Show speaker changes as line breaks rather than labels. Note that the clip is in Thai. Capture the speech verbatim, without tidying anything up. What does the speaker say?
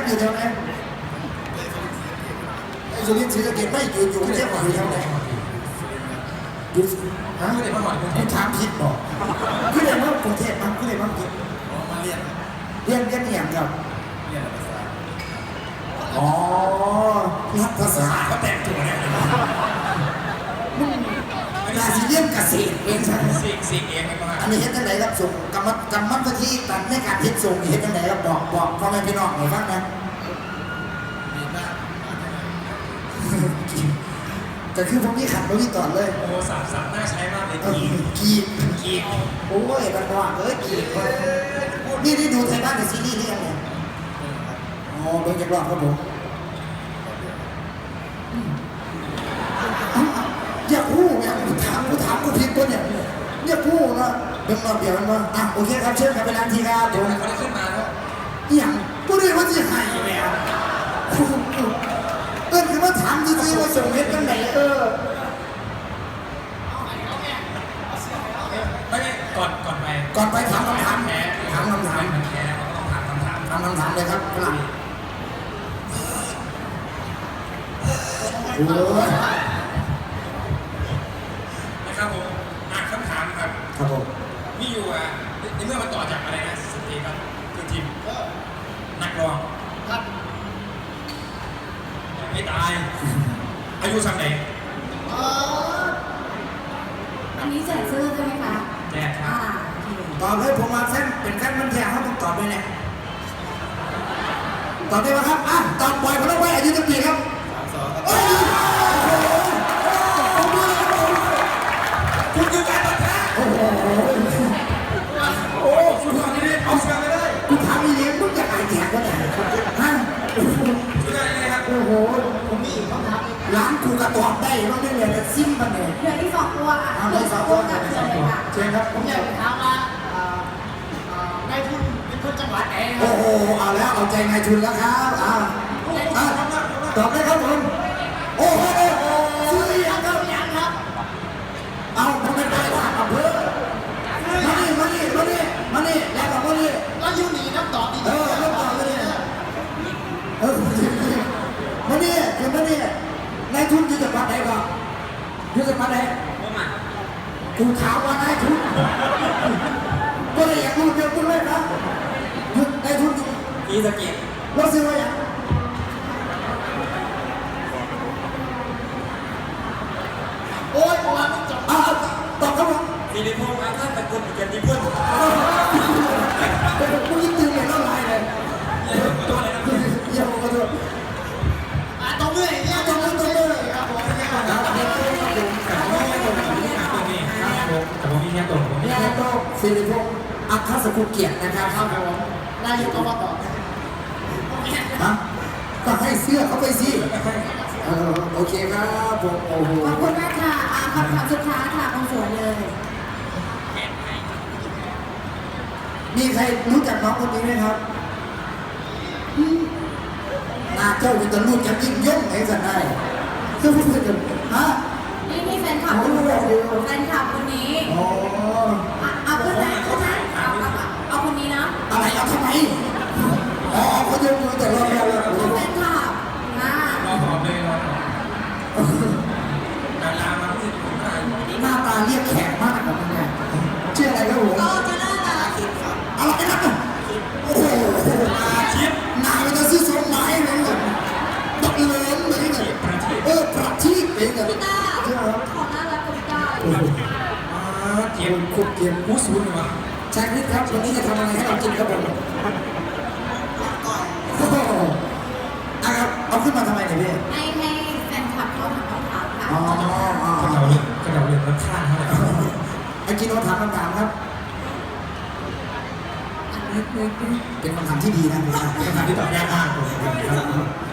อยู่แถวไหนไอ้สุรินทร์ศรีสะเกษไม่อยู่อยู่เชียงใหม่อยู่แถวไหนอยู่ฮะไม่ได้มาหอดคุณถามผิดบอกคุณเรียนว่ากรุงเทพมั้งคุณเรียนว่าผิดมาเรียนเรียนเรียนอย่างกับเรียนภาษาอ๋อรัฐภาษาเขาแต่งตัวเนี่ยนาซีเรียนเกษตรเองใช่ไหมสิ่งสิ่งเองไม่มาอันนี้เห็นตั้งไหนครับส่งกรรมกรรมวิธีตัดในการเห็นส่งเห็นตั้งไหนครับบอกบอกพ่อแม่พี่น้องหน่อยบ้างนะดีมากแต่คือผมนี่ขัดมาวิต่อเลยโอ้สามสามน่าใช้มากเลยกีกีกีโอ้ยบันว่าเอ้ยกีนี่ได้ดูไทยบ้านในซีรีส์นี่ยังไงอ๋อเป็นจักรวาลครับผมอย่าพูดอย่าถามกูถามกูผิดตัวเนี่ยอย่าพูดนะเป็นรอบเดียวกันว่าอ่ะโอเคครับเชิญครับไปร้านทีครับผมเขาได้ขึ้นมาแล้วอย่างกูเรียกว่าจะหายแล้วเออคือว่าถามจริงๆว่าส่งเฮ็ดกันไหนเออ
ไม่ไม่ก่อนก่อนไป
ก่อนไปถามคำถามถามคำถาม
แค่ต้องถามคำถาม
ถามคำถามเลยครับฝรั่งโอ้ย
นะครับผมอ่านคำถามครับ
ครับผม
มีอยู่อ่ะในเมื่อมันต่อจากอะไรนะสเตครับคือทีมนักร้องครับไม่ตายอายุสักไหน
อันนี้แจกเสื้อใช่ไหมคะ
แจกครับ
ตอบเลยผมมาเส้นเป็นขั้นมันแทงเขาต้องตอบไปเนี่ยตอบได้ไหมครับอ่ะตอบปล่อยพลังไว้อายุตั้งปีครับ
คุณคือการตัดแท้
โอ้โห
โอ้สุดยอดเลยเอาเสื้อไปเลย
กูถามอีเลี้ยงมึงจะขายแจกวะเนี่ยฮะ
สุดยอดเลยครับ
โอ้โหผมมีคำถามร้านกูกระตอบได้ว่าไม่เหลือแต่ซิมมันเนี่ย
เหลือที่สองตัวอ่ะ
เหลือสองตัวกับสองตัวเชิญครับ
ผมอยากถามว่าในทุนเป็นคนจังหวัดไหน
โอ้โหเอาแล้วเอาใจนายทุนแล้วครับอ่าตอบได้ครับผมโอ้โหซื้อยังครับ
ยังครับ
เอาทำไมไปถามอำเภอมานี่มานี่มานี่มานี่แล้วกับมานี่
แล้วยูนีน้ำตอบดี
เออน้ำตอบมานี่เออมานี่คือมานี่นายทุนอยู่จังหวัดไหนก่อนอยู่จังหวัดไหนกูถามว่านายทุนก็เลยอยากรู้เยอะขึ้นเลยนะนายทุน
กีสกี
เราซื้อมาอย่าง
โอ้ยผมว่าไม่จบ
อ่าตอบครับผม
สิริพงษ์อาท่านตะกุลเกียรติพุ่น
กูยิ่งตื่นเลยน้ำลายเลย
ตัวอะไรนะ
เยี่ยมกระโดด
อ่ะตรงเลยเนี่ยตรงเลยตรงเลยครับผม
ครับผมแต่ผมไม่ตรงผมไม่ตรงนี่ครับผมแต่ผมมีแค่ตรงผม
แม่ก็สิริพงษ์อัครสกุลเกียรตินะครับครับผม
นายกอบต
ฮะก็ให้เสื้อเขาไปสิโอเคครับผมโอ้โห
ขอบคุณมากค่ะคำถามสุดท้ายค่ะคนสวยเลย
มีใครรู้จักน้องคนนี้ไหมครับนาเจ้าเป็นตะลุกจะยิ่งย่งไงสันได้เจ้าพูดกันฮะ
นี่นี่แฟนคลับคนนี้แฟนคลับคนนี้
อ๋อ
เอาขึ้นไหมขึ้นไหมเอาเอาคนนี้นะ
อะไรเอาทำไมอ๋อเขายกมือแต่เราเรา
เราแฟนคลับนะ
เราหอมเลยเราดารามาพูดถึง
หน้าตาเรียกแขกมากแบบนี้ชื่ออะไรครับผม
ก็จะน่าตาคิดครับ
อะไรนะโอ้โห
อาชีพ
นายมันจะซื้อสมหมายเลยบักเลินเลยเนี่ยเออประทีปเองอะ
พี่ตาของน่ารักกับพี่ตา
เกียร์คุกเกียร์ผู้สูงมา
แจ็คนิดครับวันนี้จะทำอะไรให้เรากินครับผมโอ้โหนะครับเอาขึ้นมาทำไมเนี่ยพี่
ให้ให้แฟนคลับเขาถามคำถามค่ะ
อ๋อ
เขาเดาเรื่องเขาเดาเรื่องรสชาติเท่าไหร่
ไอ้กินโนถามคำถามครับเป็นคำถามที่ดีนะเป็นคำถามที่ตอบยากมากเลย